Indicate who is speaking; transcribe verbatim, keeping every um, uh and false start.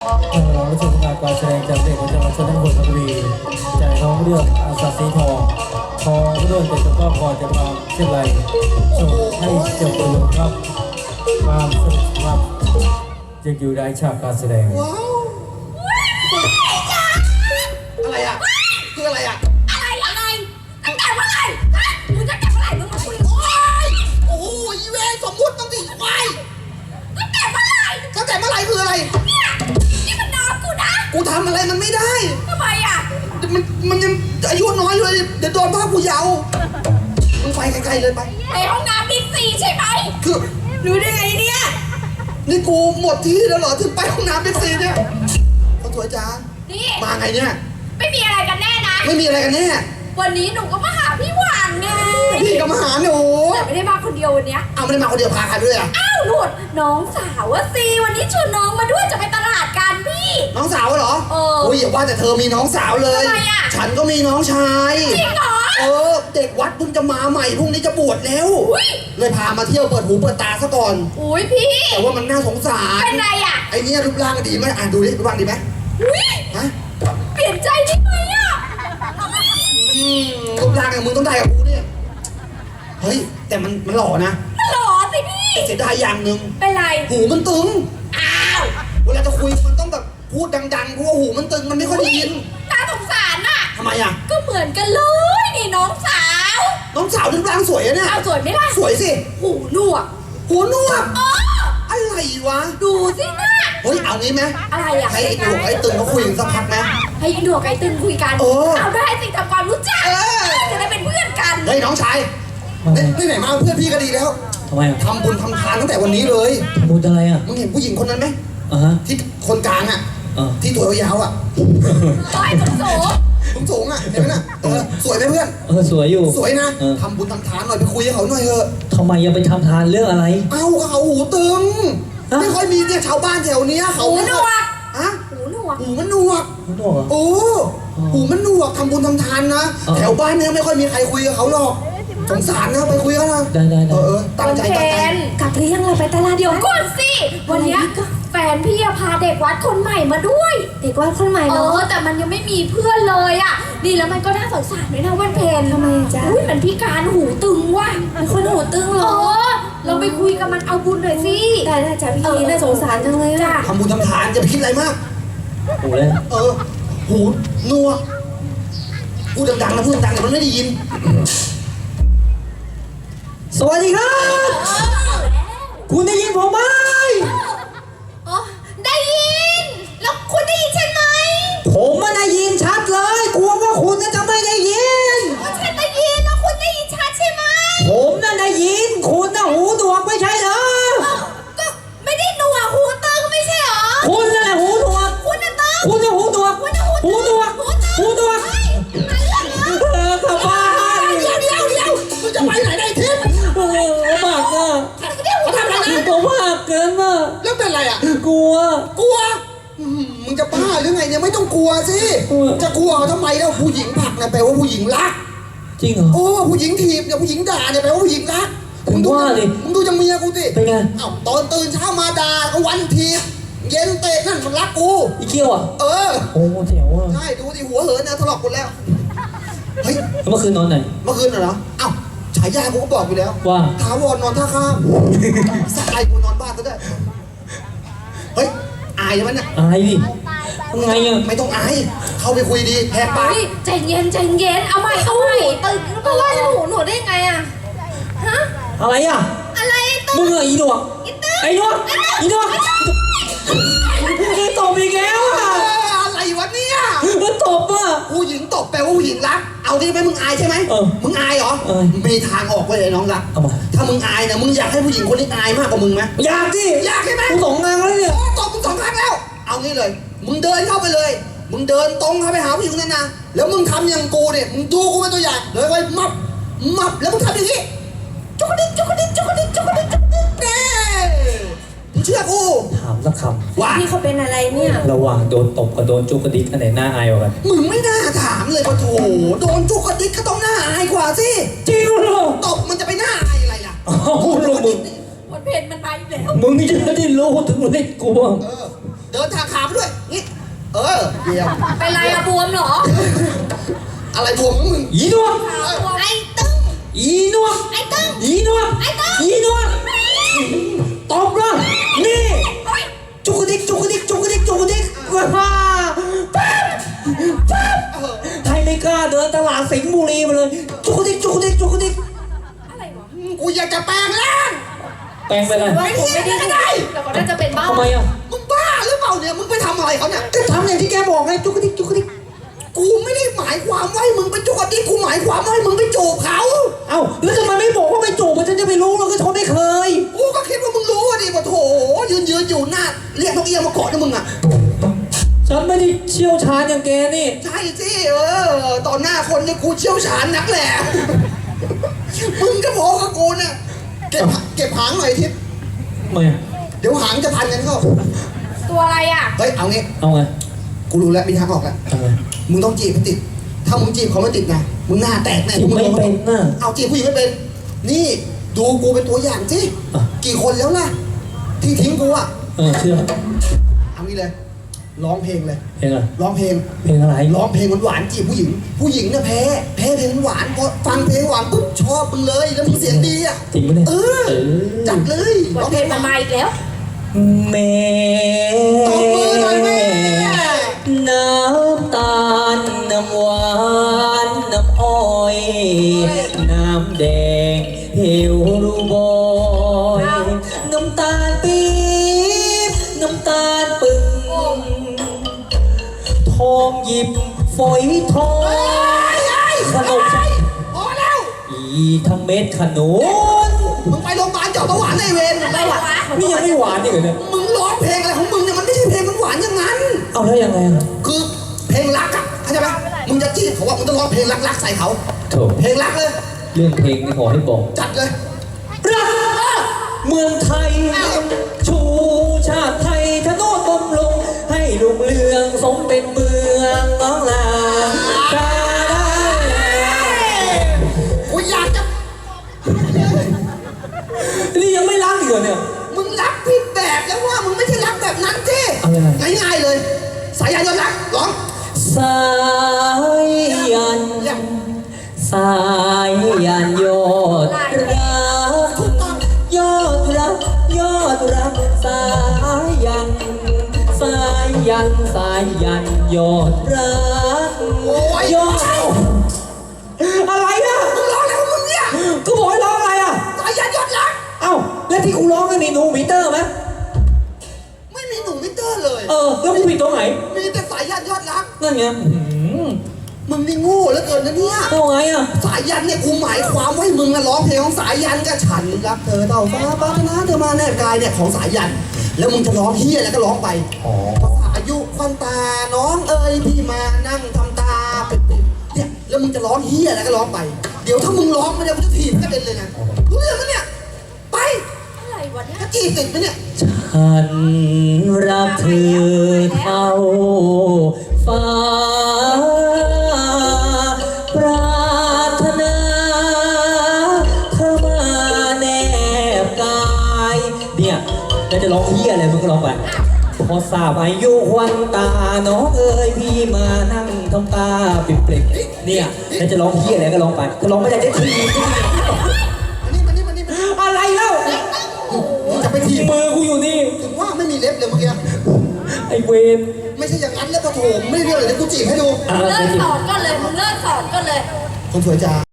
Speaker 1: เราชมการแสดงจากเด็กประจำชั้นประถมบุรีจากท้องเรื่องอาสาสีทองทองเรื่องแต่จะก็พอจะมาเช่นไรส่งให้จบประโยชน์ครับความสนุกครับยังอยู่ในฉากการแสดง
Speaker 2: ว้าวอะไรอ่ะคืออะไรอ่ะ
Speaker 3: อะไรอะไรตั้งแต่เมื่อไหร่ฮะมึงตั้งแต่เมื่อไหร่มึงมาคุยโอ๊ย
Speaker 2: โอ้ยเวรสมมุติต้องดิไป
Speaker 3: ตั้งแต่เมื่อไหร่
Speaker 2: ตั้งแต่เมื่อไหร่คืออะไร
Speaker 3: เนี่ยนี่มันน้องกูนะ
Speaker 2: กูทำอะไรมันไม่ได้
Speaker 3: ทำไมอ่ะ
Speaker 2: มันมันยังอายุน้อยอยู่เลยเดี๋ยวโดนภาพกูเยาว์มึงไปไกลๆเลยไป
Speaker 3: ไปห้องน้ำบิ๊กซีใช่ไหม
Speaker 2: คือ
Speaker 3: รู้ได้ไงเนี่ย
Speaker 2: นี่กูหมดที่แล้วเหรอถึงไปห้องน้ำบิ๊กซีเนี่ยคนสวยจ้า
Speaker 3: นี่
Speaker 2: มาไงเนี่ย
Speaker 3: ไม่มีอะไรกันแน่นะ
Speaker 2: ไม่มีอะไรกันแน่
Speaker 3: วันนี้หนูก็มาหาพี่หวานไง
Speaker 2: พี่ก็มาหาหนู
Speaker 3: แต่ไม่ได้มาคนเดียววันเนี้ย
Speaker 2: เอาไม่ได้มาคนเดียวพาใครด้วยอ่ะ
Speaker 3: อ้าวหลุดน้องสาวอะสิวันนี้ชวนน้องมาด้วยจะไปตลาดกันพี่
Speaker 2: น้องสาวเหรอ
Speaker 3: เออ
Speaker 2: โอ้ยอย่าว่าแต่เธอมีน้องสาวเลย
Speaker 3: ทำไมอ่ะ
Speaker 2: ฉันก็มีน้องชาย
Speaker 3: จริงเหรอ
Speaker 2: เออเด็กวัดเพิ่งจะมาใหม่พรุ่งนี้จะบวชแล้วเลยพามาเที่ยวเปิดหูเปิดตาซะก่อน
Speaker 3: อุ้ยพี่
Speaker 2: แต่ว่ามันน่าสงสาร
Speaker 3: เป็นไรอ่ะ
Speaker 2: ไอ้นี่รูปร่างดีไหมอ่ะดูดิรูปร่างดีไหม
Speaker 3: อุ้ย
Speaker 2: ฮะ
Speaker 3: เปลี่ยนใจได้ไหมอ่ะ
Speaker 2: อืมรูปร่างอย่างมึงต้องได้กับกูเนี่ยเฮ้ยแต่มันมันหล่อนะ
Speaker 3: มันหล่อสิพี่
Speaker 2: เสียดายอย่างหนึ่ง
Speaker 3: เป็นไร
Speaker 2: หูมันตึง
Speaker 3: อ้าว
Speaker 2: เวลาจะคุยมันต้องแบบพูดดังๆเพราะว่าหูมันตึงมันไม่ค่อยได้ยิน
Speaker 3: น่าสงสารน่ะ
Speaker 2: ทำไมอ่ะ
Speaker 3: ก็เหมือนกันเลยนี่น้องสาว
Speaker 2: น้องสาวรูปร่างสวยอะเนี่ย
Speaker 3: เอาสวยไหมล่ะ
Speaker 2: สวยสิ
Speaker 3: หูหนวก
Speaker 2: หูหนวก
Speaker 3: อ๋อ
Speaker 2: อะไรวะ
Speaker 3: ดูสิน่ะ
Speaker 2: เฮ้ยเอางี้ไหม
Speaker 3: อะไรอ่ะ
Speaker 2: ให้ไอ้หนวกไอ้ตึงเขาคุยกันสักพักไหม
Speaker 3: ให้ไอ้หนวกไอ้ตึงคุยกันเอาได้สิทำความรู้จักจะได้เป็นเพื่อนกัน
Speaker 2: เฮ้ยน้องชายนี่ไหนมาเพื่อนพี่ก็ดีแล้ว
Speaker 1: ทำไม
Speaker 2: ทำบุญทำทานตั้งแต่วันนี้เลย
Speaker 1: ทำบุญอะไรอ่ะ
Speaker 2: มึงเห็นผู้หญิงคนนั้นไหม
Speaker 1: อ่าฮะ
Speaker 2: ที่คนกลางอ่ะที่ตัวยาวอ่ะ
Speaker 3: โอ้ยสูงสูง
Speaker 2: สูงสูงอ่ะเห็นไหมน่ะเออสวยไหมเพื่อน
Speaker 1: เออสวยอยู่
Speaker 2: สวยนะทำบุญทำทานหน่อยไปคุยกับเขาหน่อยเถอะ
Speaker 1: ทำไมยังไปทำทานเรื่องอะไร
Speaker 2: เอ้าเขาหูตึงไม่ค่อยมีเนี่ยชาวบ้านแถวนี้เขา
Speaker 3: หูหนวก
Speaker 2: ฮะ
Speaker 3: หูหนวก
Speaker 2: หูมันหนวก
Speaker 1: หูหนวก
Speaker 2: โอ้หูมันหนวกทำบุญทำทานนะแถวบ้านเนี่ยไม่ค่อยมีใครคุยกับเขาหรอกสงสารนะไปคุยกันนะ
Speaker 1: ได้ได้
Speaker 2: เออตั้งใจตั้งใจ
Speaker 3: กลับเรียงเราไปตลาดเดี๋ยวก่อนสิวันนี้แฟนพี่พาเด็กวัดคนใหม่มาด้วย
Speaker 4: เด็กวัดคนใหม่เนาะ
Speaker 3: แต่มันยังไม่มีเพื่อนเลยอ่ะดีแล้วมันก็น่าสงสารด้วยนะวันเพน
Speaker 4: ทำไมจ๊ะ
Speaker 3: อุ้ยมันพิการหูตึงว่ะ
Speaker 4: มันคนหูตึงเหรอ
Speaker 3: เราไปคุยกับมันเอาบุญหน่อยสิ
Speaker 4: ได้ได้จ้ะพี่น่าสงสารจังเลย
Speaker 3: จ้ะ
Speaker 2: ทำบุญทำทานจะไปคิดอะไรมาก
Speaker 1: หูเลย
Speaker 2: เออหูหนวกพูดดังๆนะพูดดังๆแต่มันไม่ได้ยิน
Speaker 1: สวัสดีครับคุณได้ยินผมไหม
Speaker 3: อ๋อได้ยินแล้วคุณได้ยินฉันไหม
Speaker 1: ผมไม่ได้ยินชัดเลยกลัวว่าคุณจะไม่ได้ยิน
Speaker 3: ฉันได้ยินแล้วคุณได้ยินชัดใช่ไหม
Speaker 1: ผมน่ะได้ยินคุณน่ะหูหนวกไม่ใช่เหรอ
Speaker 3: ก็ไม่ได้หนวกหูตึงไม่ใช่เหรอ
Speaker 1: คุณน่ะหูหนวก
Speaker 3: คุณน่ะตึง
Speaker 1: คุณน่ะหูหนวกหูหนวกหูหนวกเออกลับบ้าน
Speaker 2: เดี๋ยวเดี๋ยวเดี๋ยวมึงจะไปไหนได้ทิพย์
Speaker 1: โอ้มากอ่ะ
Speaker 2: เขาทำอะไรนะ
Speaker 1: ผมมากเกินอ่ะ
Speaker 2: แล้วเป็นอะไรอ่ะ
Speaker 1: กลัว
Speaker 2: กลัวมึงจะบ้าหรือไงเนี่ยไม่ต้องกลัวสิจะกลัวทำไมแล้วผู้หญิงผลักเนี่ยแปลว่าผู้หญิงรัก
Speaker 1: จริงเหรอ
Speaker 2: โอ้ผู้หญิงถีบเนี่ยผู้หญิงด่าเนี่ยแปลว่าผู้หญิงรัก
Speaker 1: มึงดูดิ
Speaker 2: มึงดูจะเมียกูสิ
Speaker 1: เป็นไง
Speaker 2: อ้าวตอนตื่นเช้ามาด่าก็วันถีบเย็นเตะนั่นมันรักกู
Speaker 1: อีเกี้ยวอ่ะ
Speaker 2: เออ
Speaker 1: โอ้แถวอ่ะ
Speaker 2: ใช่ดูดิหัวเหินนะถลอกหมดแล้วเฮ้ย
Speaker 1: เมื่อคืนนอนไหน
Speaker 2: เมื่อคืนเหรออ้าวฉายากูก็บอกอยู่แล้ว
Speaker 1: ว่า
Speaker 2: ถาวรนอนท่าข้ามสักไอ้กูนอนบ้านก็ได้เฮ้ยอายใช่ไหมเนี่ย
Speaker 1: อายดิทำไงอ่ะ
Speaker 2: ไม่ต้องอายเข้าไปคุยดีแหกปาก
Speaker 3: ใจเย็นใจเย็นเอาใหม่เอาใหม่ตึงก็ว่าหนูหนูได้ไงอ่ะฮะ
Speaker 1: อะไรอ่ะ
Speaker 3: อะไรตึง
Speaker 1: มึงอะอีหนวกไอ้หนวกอีหนวกตบอีกแล้วอ่ะ
Speaker 2: อะไรวะเนี่ย
Speaker 1: มันตบอ่ะ
Speaker 2: ผู้หญิงตบแปลว่าผู้หญิงรักเอาดิไหมมึงอายใช่ไหมมึงอายเหรอมีทางออกเลยน้องรักถ้ามึงอายเนี่ยมึงอยากให้ผู้หญิงคนนี้อายมากกว่ามึงไหม
Speaker 1: อยากสิ
Speaker 2: อยากใช่ไหม
Speaker 1: กูสองงานแล้วเนี่ย
Speaker 2: ตบมึงสองครั้งแล้วเอางี้เลยมึงเดินเข้าไปเลยมึงเดินตรงเข้าไปหาผู้หญิงนั่นนะแล้วมึงทำอย่างกูเนี่ยมึงดูกูเป็นตัวอย่างเลยไว้มับมับแล้วมึงทำอย่างนี้จุกดิจุกดิจุกดิจุกดิจุกดิเน่มึงเชื่อกู
Speaker 1: ถามสักค
Speaker 2: ำว่า
Speaker 4: พี่เขาเป็นอะไรเนี่ย
Speaker 1: ระหว่างโดนตบกับโดนจุกกระดิกอันไหนหน้าอายกว่ากัน
Speaker 2: มึงไม่น่าถามเลยปะโถโดนจุกกระดิกก็ต้องหน้าอายกว่าสิ
Speaker 1: จริงเหรอ
Speaker 2: ตบมันจะไปหน้าอายอะไรล่ะ
Speaker 1: โอ้โหมึง
Speaker 3: วันเพนมันไปแล้ว
Speaker 1: มึงจะได้รู้ถึงมันได้กลัว
Speaker 2: เดินทางขาไปด้วยนี่เออเยี่ยม
Speaker 3: เป็นไรอะบวมเหรอ
Speaker 2: อะไรบวมของมึง
Speaker 1: อีนวล
Speaker 3: ไอ้ตึ้ง
Speaker 1: อีนวล
Speaker 3: ไอ้ตึ้ง
Speaker 1: อีนวล
Speaker 3: ไอ้ตึ้ง
Speaker 1: อีนวลตบเลยนี่จุกกระดิกจุกกระดิกจุกกระดิกจุกกระดิกว้าปั๊บปั๊บใครไม่กล้าเดินตลาดสิงห์บุรีมาเลยจุกกระดิกจุกกระดิกจุกกระดิก
Speaker 3: อะไรวะ
Speaker 2: กูอยากจะแปลงร่าง
Speaker 1: แปลงไปเลย
Speaker 3: ว่าผมไม่ได้ได้แต่เขาน่าจะเป็นบ้า
Speaker 1: ทำไมอ่ะ
Speaker 2: มึงบ้าหรือเปล่าเนี่ยมึงไปทำอะไรเขาเนี่ย
Speaker 1: ก็ทำอย่างที่แกบอกไงจุกกระดิกจุกกระดิก
Speaker 2: กูไม่ได้หมายความว่าให้มึงไปจุกกระดิกกูหมายความว่าให้มึงไปจูบเขา
Speaker 1: เอ้าแล้วทำไมไม่บอกว่าไปจูบมันฉันจะไปรู้เราก็ชนไม่เคย
Speaker 2: กูก็คิดว่ามึงรู้อะดิว่าโถยืนยืนอยู่หน้าเรียกนกเอี้ยงมาเกาะนะมึงอะ
Speaker 1: ฉันไม่ได้เชี่ยวชาญอย่างแกนี่
Speaker 2: ใช่สิเออตอนหน้าคนเนี่ยกูเชี่ยวชาญนักแหละ มึงก็พอกับกูเนี่ยเก็บเก็บหางหน่อยทิพย์
Speaker 1: ทำไมอ่ะ
Speaker 2: เดี๋ยวหางจะพันกันเข้า
Speaker 3: ตัวอะไรอะ
Speaker 2: เฮ้ยเอางี้
Speaker 1: เอาไง
Speaker 2: กูรู้แล้วมีทางออกแล้ว
Speaker 1: เอาไง
Speaker 2: มึงต้องจีบให้ติด ถ้ามึงจีบเขาไม่ติดนะมึงหน้าแตกแน่
Speaker 1: จีบ
Speaker 2: มึง
Speaker 1: ไม่เป็นน่ะ
Speaker 2: เอาจีบผู้หญิงไม่เป็น นี่ดูกูเป็นตัวอย่างสิ
Speaker 1: อ่ะ
Speaker 2: กี่คนแล้วล่ะที่ทิ้งกูอะ
Speaker 1: เออเชื่อ
Speaker 2: เอางี้เลย ร้องเพลงเลย
Speaker 1: เพลงอะไร
Speaker 2: ร้องเพลง
Speaker 1: เพลงอะไร
Speaker 2: ร้องเพลงหวานๆจีบผู้หญิง ผู้หญิงเนี่ยแพ้ แพ้เพลงหวานพอฟังเพลงหวานปุ๊บชอบมึงเลย แล้วมึงเสียงดีอ่ะ
Speaker 1: จริงปะเนี่ย
Speaker 2: เออ จัดเลย
Speaker 3: บทเพลงมันมาอีกแล้ว
Speaker 1: แม่
Speaker 2: ตบมือหน่อยแม่
Speaker 1: น้ำตาลน้ำหวานน้ำอ้อย น้ำแดงเหี่ยวรูบอยน้ำตาลปี๊บน้ำตาลปึงทองหยิบฝอยทองขนม
Speaker 2: พอแล้ว
Speaker 1: อีทั้งเม็ดขนุน
Speaker 2: มึงไปโรงพยาบาลเจาะเบาหวานในเวร
Speaker 3: ไปหรอวะ
Speaker 1: นี่ยังไม่หวานอีกเหรอเนี่ย
Speaker 2: มึงร้องเพลงอะไรของมึงเนี่ยมันไม่ใช่เพลงหวานๆอย่างนั้น
Speaker 1: เอาแล้วยังไงอะ
Speaker 2: คือเพลงรักอะเข้าใจไหมมึงจะจีบเขาว่ามึงต้องร้องเพลงรักๆใส่เขา
Speaker 1: โถ
Speaker 2: เพลงรักเลย
Speaker 1: เรื่องเพลงนี่ขอให้บอก
Speaker 2: จัดเลย
Speaker 1: รักเมืองไทย ชูชาติไทยทะโนดบำรุงให้รุ่งเรืองสมเป็นเมืองน้องลาดาดา
Speaker 2: กูอยากจะ
Speaker 1: นี่ยังไม่รักอีกเหรอเนี่ย
Speaker 2: มึงรักผิดแบบแล้วว่ามึงไม่ใช่รักแบบนั้นสิ
Speaker 1: เอายังไง
Speaker 2: ง่ายๆเลย สายยานยนต์รักร้อง
Speaker 1: สายยัน
Speaker 2: เยี่ยม
Speaker 1: สายยันยอดรัก
Speaker 2: ถูกต้อง
Speaker 1: ยอดรักยอดรักสายยัน สายยันสายยันยอดรัก
Speaker 2: โอ้ย
Speaker 1: ยอดอะไรอ่ะ
Speaker 2: มึงร้องอะไรของมึงเนี่ย
Speaker 1: ก็บอกให้ร้องอะไรอ่ะ
Speaker 2: สายยานยนต์รัก
Speaker 1: เอ้าแล้วที่กูร้องกันมีหนูมิเตอร์ไหม
Speaker 2: ไม่มีหนุ่มมิเตอร์เลย
Speaker 1: เออแล้วกูผิดตรงไหน
Speaker 2: มีแต่สายยันยอดรัก
Speaker 1: นั่นไงอื้อหือ
Speaker 2: มึงนี่โง่เหลือเกินนะเนี่ย
Speaker 1: เอาไงอ่ะ
Speaker 2: สายยันเนี่ยกูหมายความว่าให้มึงนะร้องเพลงของสายยันกับฉันรักเธอเท่าฟ้าปรารถนาเธอมาแนบกายเนี่ยของสายยัน แล้วมึงจะร้องเฮียแล้วก็ร้องไป
Speaker 1: อ๋อ
Speaker 2: ภาษาอายุควันตาน้องเอ๋ยพี่มานั่งทำตาปิดๆเนี่ยแล้วมึงจะร้องเฮียแล้วก็ร้องไป เดี๋ยวถ้ามึงร้องไม่ได้มึงจะถีบกระเด็นเลยนะรู้เรื่องไหมเนี่ยไป
Speaker 3: อะไรวะเนี่ย
Speaker 2: ถ้าจีบติดไหมเนี่ย
Speaker 1: ฉันรักเธอเท่าฟ้าปรารถนาเธอมาแนบกายเนี่ยแล้วจะร้องเฮียอะไรมึงก็ร้องไปพอทราบอายุควันตาน้องเอ๋ยพี่มานั่งทำตาปิดเปล่งเนี่ยแล้วจะร้องเฮียอะไรก็ร้องไปก็ร้องไม่ได้จะที
Speaker 2: มานี่มานี่มานี่มานี่
Speaker 1: อะไรเล่า
Speaker 2: มึงจะไปถีบ
Speaker 1: มือกูอยู่นี่
Speaker 2: ถึงว่าไม่มีเล็บเลยเมื่อกี้
Speaker 1: ไอเวน
Speaker 2: ไม่ใช่อย่างนั้นแล้วปะโถมไม่เรียกเลยเดี๋ยวกูจีบให้ดู
Speaker 1: อ่ะ
Speaker 3: เลิกสอนก็เลยมึงเลิกสอนก็เลย
Speaker 2: คนสวยจ้า